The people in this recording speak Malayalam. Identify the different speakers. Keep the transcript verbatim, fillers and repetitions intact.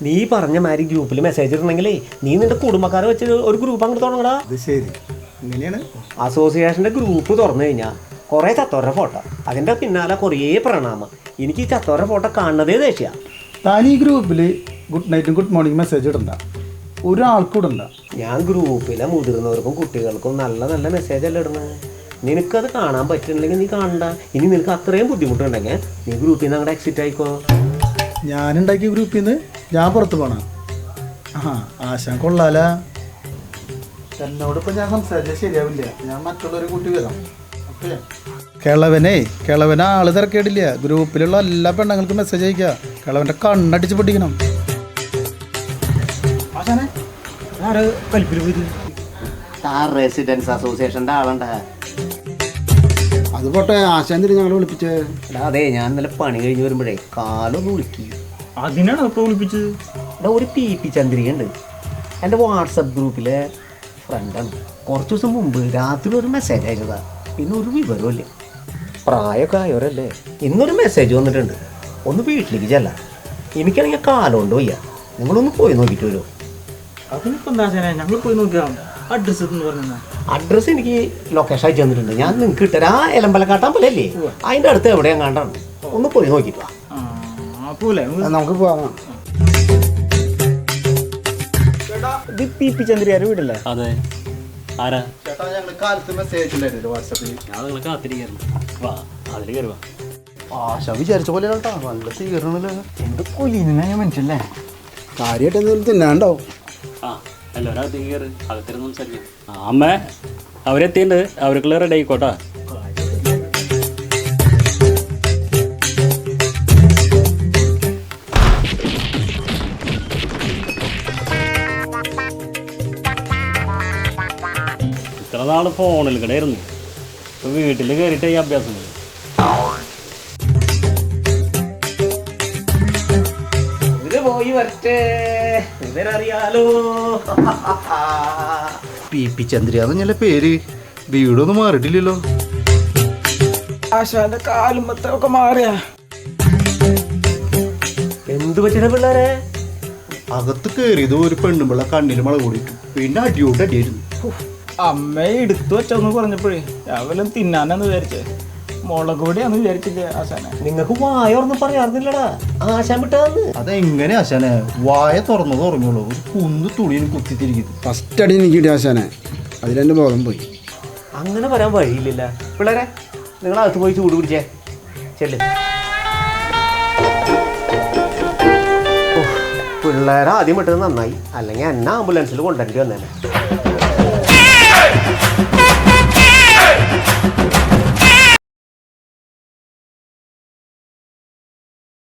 Speaker 1: നീ പറഞ്ഞ മാതിരി ഗ്രൂപ്പിൽ മെസ്സേജ് ഇടണമെങ്കിലേ നീ നിന്റെ കുടുംബക്കാരെ വെച്ച് ഒരു ഗ്രൂപ്പ് അങ്ങോട്ട് തുടങ്ങടാ.
Speaker 2: അത് ശരി, ഇങ്ങനെയാണ്.
Speaker 1: അസോസിയേഷൻ്റെ ഗ്രൂപ്പ് തുറന്നു കഴിഞ്ഞാൽ കുറേ ചത്തോരുടെ ഫോട്ടോ, അതിൻ്റെ പിന്നാലെ കുറേ പ്രണാമം. എനിക്ക് ഈ ചത്തോരുടെ ഫോട്ടോ കാണുന്നതേ ദേഷ്യ.
Speaker 2: താൻ ഈ ഗ്രൂപ്പിൽ ഗുഡ് നൈറ്റും ഗുഡ് മോർണിംഗ് മെസ്സേജ് ഇടണ്ട, ഒരാൾക്കൂടണ്ട.
Speaker 1: ഞാൻ ഗ്രൂപ്പിലെ മുതിർന്നവർക്കും കുട്ടികൾക്കും നല്ല നല്ല മെസ്സേജ് അല്ല ഇടുന്നത്. നിനക്കത് കാണാൻ പറ്റുന്നില്ലെങ്കിൽ നീ കാണണ്ട. ഇനി നിനക്ക് അത്രയും ബുദ്ധിമുട്ടുണ്ടെങ്കിൽ നീ ഗ്രൂപ്പിൽ നിന്ന് അങ്ങോട്ട് എക്സിറ്റ് ആയിക്കോ.
Speaker 2: ഞാനുണ്ടാക്കിയ ഗ്രൂപ്പിൽ നിന്ന് ഞാൻ പുറത്ത് പോകണം. ആ ആശാൻ കൊള്ളാല. എന്നോടിപ്പോൾ ഞാൻ സംസാരിച്ചാൽ ശരിയാവില്ല. ഞാൻ മറ്റുള്ളവരെ കൂട്ടി വരാം. ഓക്കെ. കിളവനെ കിളവനെ ആള് തിരക്കേടില്ല. ഗ്രൂപ്പിലുള്ള എല്ലാ പെണ്ണുങ്ങൾക്കും മെസ്സേജ് അയക്കുക. കിളവൻ്റെ കണ്ണടിച്ച് പൊട്ടിക്കണം. ആശാനെ ആര് കൽപ്പിൽ പോയത്?
Speaker 1: സ്റ്റാർ റെസിഡൻസ് അസോസിയേഷൻ്റെ ആളുണ്ടാ.
Speaker 2: അത് പോട്ടെ, ആശാൻ തിരി ഞങ്ങൾ വിളിപ്പിച്ചേ.
Speaker 1: അതെ, ഞാൻ ഇന്നലെ പണി കഴിഞ്ഞ് വരുമ്പോഴേ കാലൊന്ന് വിളിക്കി.
Speaker 3: അതിനാണ് ഇപ്പോൾ വിളിപ്പിച്ചത്.
Speaker 1: എടാ, ഒരു പി പി ചന്ദ്രികയുണ്ട്, എൻ്റെ വാട്സപ്പ് ഗ്രൂപ്പിലെ ഫ്രണ്ടാണ്. കുറച്ച് ദിവസം മുമ്പ് രാത്രി ഒരു മെസ്സേജ് അയച്ചതാ. പിന്നെ ഒരു വിവരമില്ല. പ്രായമൊക്കെ ആയവരല്ലേ. ഇന്നൊരു മെസ്സേജ് വന്നിട്ടുണ്ട്, ഒന്ന് വീട്ടിലേക്ക് ചെല്ലാം. എനിക്കാണെങ്കിൽ കാലം കൊണ്ട് വയ്യ. നിങ്ങളൊന്ന് പോയി നോക്കിയിട്ട് വരുമോ?
Speaker 3: അതിനിപ്പോൾ എന്താ ആശാനെ, ഞങ്ങൾ പോയി നോക്കാം. അഡ്രസ്സ് എന്ന് പറഞ്ഞാൽ
Speaker 1: അഡ്രസ്സ് എനിക്ക് ലൊക്കേഷൻ അയച്ചു തന്നിട്ടുണ്ട്. ഞാൻ നിങ്ങൾക്ക് ഇട്ടരാ. എലമ്പലക്കാട്ടാൻ പോലെ അല്ലേ, അതിൻ്റെ അടുത്ത് എവിടെയാണ് കണ്ടാണ്. ഒന്ന് പോയി നോക്കിയിട്ട് വാ.
Speaker 3: പോലെ
Speaker 2: നമുക്ക് പോവാം.
Speaker 3: ഇത് പി പി ചന്ദ്രയാരുടെ വീടല്ലേ?
Speaker 4: അതെ. ആരാ
Speaker 2: ചേട്ടാ, ഞങ്ങൾ കാലത്ത് മെസ്സേജ് ഉണ്ടായിരുന്നു വാട്സാപ്പിൽ.
Speaker 4: ഞാൻ നിങ്ങൾ കാത്തിരിക്കുന്നു. വാ, അതിൽ കയറി വാ.
Speaker 2: ആശ വിചാരിച്ച പോലെ കേട്ടോ, നല്ല സ്വീകരണമല്ലോ.
Speaker 3: എന്ത് കൊല്ലിനായ മനുഷ്യല്ലേ.
Speaker 2: കാര്യമായിട്ട് എന്തെങ്കിലും തിന്നാണ്ടാവും.
Speaker 4: ആ, എല്ലാവരും അകത്തേക്ക് കയറി, അകത്തിരുന്ന് സംസാരിക്കാം. ആ അമ്മേ, അവരെത്തിയിട്ടുണ്ട്. അവർക്കുള്ള റെഡി ആയിക്കോട്ടാ. ഇത്ര നാൾ ഫോണിൽ കൂടെയായിരുന്നു. ഇപ്പൊ വീട്ടിൽ കയറിയിട്ട് ഈ അഭ്യാസം.
Speaker 1: പോയി വരട്ടെ, ഇവരറിയാലോ.
Speaker 2: പി പി ചന്ദ്രയാന്നല്ലേ പേര്. വീടൊന്നും മാറിയിട്ടില്ലല്ലോ.
Speaker 3: ആശാന്റെ കാലും മൊത്തമൊക്കെ മാറിയാ.
Speaker 1: എന്തു പറ്റിയ പിള്ളേരെ?
Speaker 2: അകത്ത് കയറിയത് ഒരു പെണ്ണുമ്പിള്ള കണ്ണിൽ മഴ കൂടിയിട്ടു. പിന്നെ അടിയോട്ട് അടിയായിരുന്നു.
Speaker 3: അമ്മയെ എടുത്തു വെച്ചോന്ന് പറഞ്ഞപ്പോഴേ രാവിലെ തിന്നാനെന്ന് വിചാരിച്ചേ. മുളക് പൊടിയാന്ന് വിചാരിച്ചില്ലേ ആശാനെ?
Speaker 1: നിങ്ങൾക്ക് വായൊന്നും പറയാറുന്നില്ലടാ. ആശാൻ വിട്ടതെന്ന്.
Speaker 2: അതെങ്ങനെ ആശാനെ? വായ തുറന്നത് തുറന്നുള്ളൂ. ഒരു കുന്ന് തുണിയിൽ കുത്തിത്തിരിക്കുന്നു.
Speaker 5: ഫസ്റ്റ് അടി എനിക്ക് ആശാനെ, അതിലെൻ്റെ ബോധം പോയി.
Speaker 1: അങ്ങനെ വരാൻ വഴിയില്ല. പിള്ളേരെ, നിങ്ങൾ അകത്ത് പോയി ചൂട് പിടിച്ചേ. ചെല്ല്. പിള്ളേരെ ആദ്യം വിട്ടത് നന്നായി, അല്ലെങ്കിൽ എന്നെ ആംബുലൻസിൽ കൊണ്ടുവരേണ്ടി വന്നേനെ.